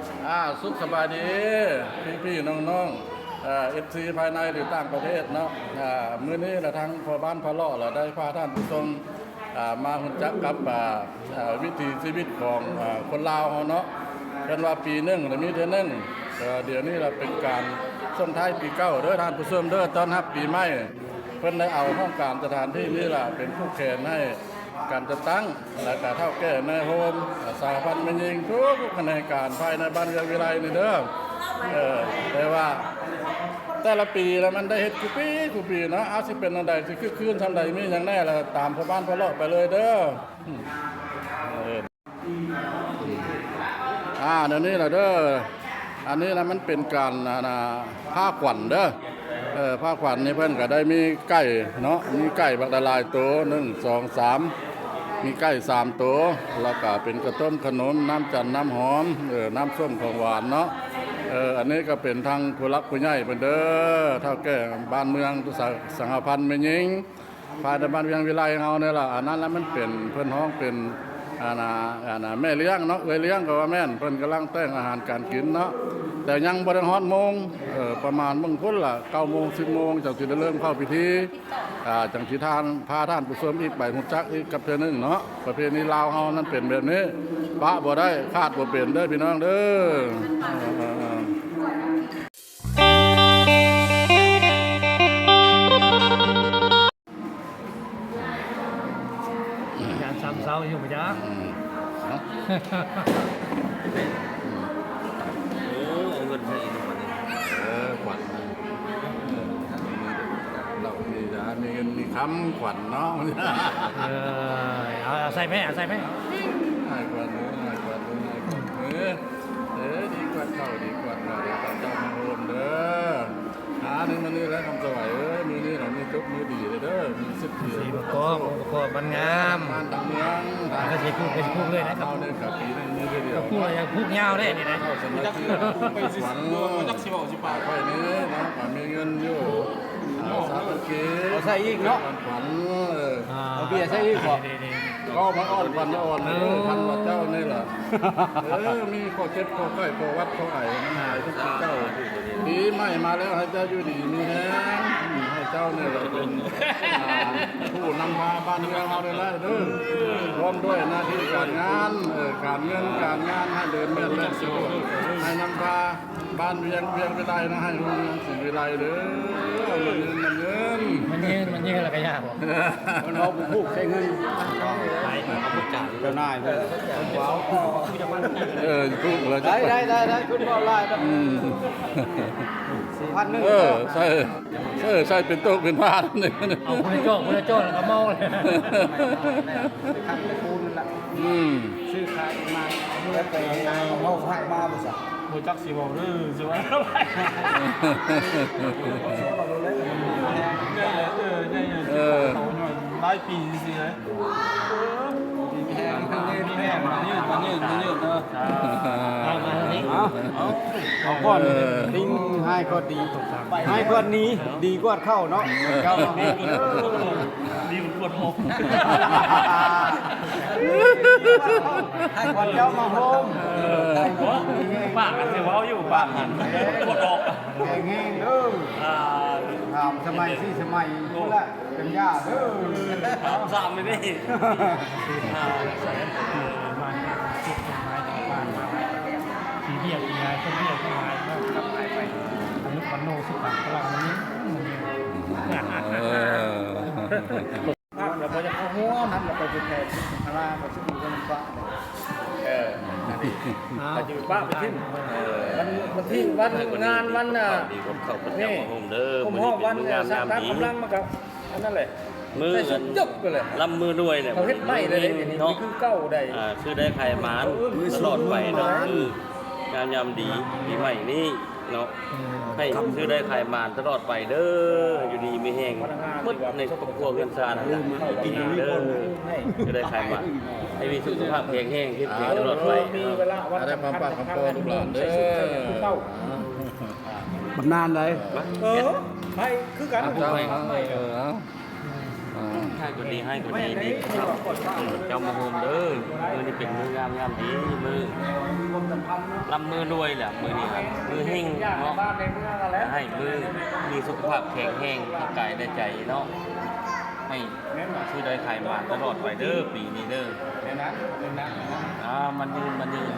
สุขสบายดีพี่น้องFC ภายในหรือต่างประเทศเนาะมื้อนี้ละทั้งพ่อบ้านพ่อเลาะละได้พาท่านผู้ชมมารู้จักกับวิถีชีวิตของคนลาวเฮาเนาะเป็นว่าปีหนึงแล้วมีเทื่อนึงเดี๋ยวนี้เราเป็นการส่งท้ายปีเก่าเด้อท่านผู้ชมเด้อต้อนรับปีใหม่เพิ่นได้เอาห้องการสถานที่นี้ล่ะเป็นผู้แขนให้การจะตั้งและการเท่าแก่ในโฮมสาพันธ์มันยิงทุกแผนกการภายในบ้านเรือนวิไลนี่เด้อแต่ว่าแต่ละปีแล้วมันได้เฮ็ดกูปีเนาะเอาสิเป็นอันใดสิคือคืนทำใดมีอย่างแน่แล้วตามพ่อบ้านพ่อเลาะไปเลยเด้อเดี๋ยวนี้ล่ะเด้ออันนี้นะมันเป็นการผ้าขวัญเด้อผ้าขวัญนี่เพิ่นก็ได้มีไก่เนาะมีไก่บักละลายตัว1 2 3มีไก่3ตัวแล้วก็เป็นกระต้มขนมน้ำจันทร์น้ำหอมน้ำส้มของหวานเนาะอันนี้ก็เป็นทางผู้รักผู้ใหญ่เพิ่นเด้อเท่าแก่บ้านเมืองสังฆพันธ์แม่หญิงภายในบ้านเวียงวิไลเฮานี่ล่ะอันนั้นแล้วมันเป็นเพิ่นฮ้องเป็นแม่เลี้ยงเนาะเลี้ยงก็ว่าแม่นเพิ่นกำลังแต่งอาหารการกินเนาะแต่ยังบ่ได้ฮอดโมงประมาณเบิ่งพุ่นล่ะ9 โมง 10 โมงจังสิได้เริ่มเข้าพิธีจังสิพาท่านผู้ชมอีกไปฮู้จักอีกกับเทื่อนึงเนาะประเพณีลาวเฮานั้นเป็นแบบนี้ปะบ่ได้คาดบ่เป็นเด้อพี่น้องเด้อยากซ้ำเศร้าอยู่ปะจ๊ะเอาเงินให้อีกวันนี้ขวัญเรามีเงินมีคำขวัญเนาะเอาใส่ไหมเอาใส่ไหมให้ขวัญให้ขวัญดีกว่าเก่าดีกว่าเจ้ามาโฮมเด้อนี่มันนี่แล้วคำสวัยมือนี่เรามีจุกมือดีเลยเด้อมีสิบเดียวสีประกอบมันงามต่างเมืองก็จะพูดเลยนะครับเอาเนี่ยกับปีนึงมือเดียวพูดอะไรพูดยาวได้นี่นะเข้าสมัยที่ไปสิขวัญจักสิบอกสิปากไฟนี้นะมีเงินอยู่สามเกศใส่อีกเนาะขวัญเอาเบียร์ใส่อีกบ่ก็มาอ่อนขวัญอ่อนพันวัดเจ้านี่แหละมีข้อเจ็บข้อไข้ข้อวัดข้อไอมันหายทุกปีเจ้าปีใหม่มาแล้วให้เจ้าอยู่ดีมีแฮงให้เจ้าเนี่ยเป็นผู้นำพาบ้านเมืองเราเลยเด้อพร้อมด้วยหน้าที่การงานการเงินการงานให้เดินเมื่อและสะดวกให้นำพาบ้านเวียงวิไลนะให้รุ่งเรืองสิวิไลเด้อมันเงินอะไรกันยากมันเอาผูกใช้เงินไปเอาผูกจ่ายเจ้านายเลยว้าวพูดเลยได้คุณบอกไล่ครับ4,100 ใช่เป็นโต๊ะเป็นผ้าเนี่ยเอาคุณโจ้แล้วก็เมาเลยขัดปูนละซื้อขายมาแล้วไปเอาผักมาบ่ซะบ่จักสิบอกสิว่าหลายปีสิเลยเอาก่อนลิงให้ก็ดีให้ก่อนนี้ดีกว่าเข้าเนาะเข้าดีกว่าหกให้ก่อนเจ้ามาโฮมปากกันสิว่าอยู่ปากกันกดออกแข่งแห้งเด้อถามสมัย4 สมัยนี่แหละเป็นยาเด้อถาม3ไม่ได้สีเบี้ยยังไงต้นเบี้ยยังไงกลับไปอันนี้คอนโนสุดพลังนี้เราไปจะเข้าหัวมันเราไปจุดแทนอะไรมาซึ่งมันก็ฟ้าไปอยู่ป้าไปทิ้งวันที่วันงานวันนี่ผมห้องวันสร้างกำลังมากับอันนั้นแหละมือจบกันเลยลำมือด้วยเนี่ยเขาเฮ็ดไม่เลยนี่คือเก้าได้คือได้ไข่หมานตลอดไปเนาะงานยามดีปีใหม่นี้เนาะให้คือได้ไข่หมานตลอดไปเด้ออยู่ดีมีแห้งมดในครอบครัวเงินซานดีเด้อคือได้ไข่หมานให้มีสุขภาพแข็งแรงเข้มแข็งตลอดไปได้ความปากความโตลูกหลานเด้อบำนานเลยให้คือกันเจ้าให้คนดีดีเจ้ามาโฮมเด้อมือนี่เป็นมืองามดีมือลำมือรวยแหละมือนี่ครับมือเฮงเนาะบ้านในเมืองอะไรให้มือมีสุขภาพแข็งแรงทั้งกายและใจเนาะให้ชื่อได้ขายมาตลอดไปเด้อปีนี้เด้อในนั้นมันยืน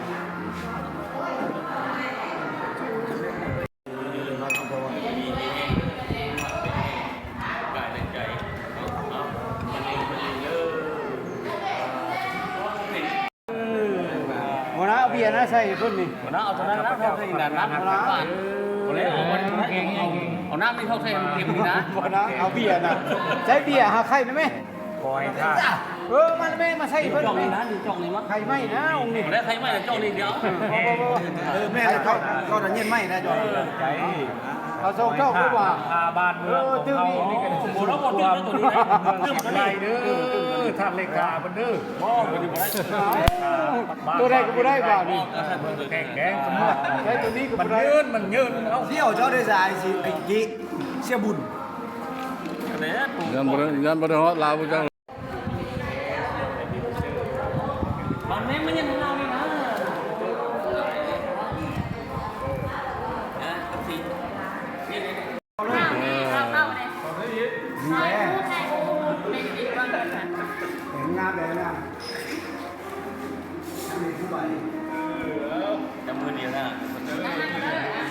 วันนั้นเอาเบียร์นะใส่เพิ่นนี่วันนั้นเอาตอนนั้นนะเท่าที่นั้นนะวันนี้เอาน้ำไม่เท่าเส้นเต็มนี่นะวันนั้นเอาเบียร์นะใส่เบียร์หาไข่ได้ไหมคอยท่ามันไม่มาใส่เพิ่นจ่องไหมนี่นะจ่องนี่มั้งไข่ไหมนะองค์นี้ได้ใครไม่จ่องนี่เดียวแม่เขาจะเย็นไหมนะจอยใจเอาส่งเจ้าดีกว่าพาบ้านเมืองของเขาสมบูรณ์แล้วหมดตัวนี้นะเรื่องอะไรเด้อท่านเลขาบันเด้อบ่มันอยู่บ่ได้ตัวใดก็บ่ได้บ่านี่แข่งแกงสมมติใช้ตัวนี้ก็มับ่นได้ยืนเอาเที่ยวเจ้าได้สายสิไอ้กี้เสียบุญยันบ่ได้ฮอดลาวจังมันไม่ยังเรานี่นะสิเออเห็นงามเลยนะมีผู้ใบจำมือเดียวนะ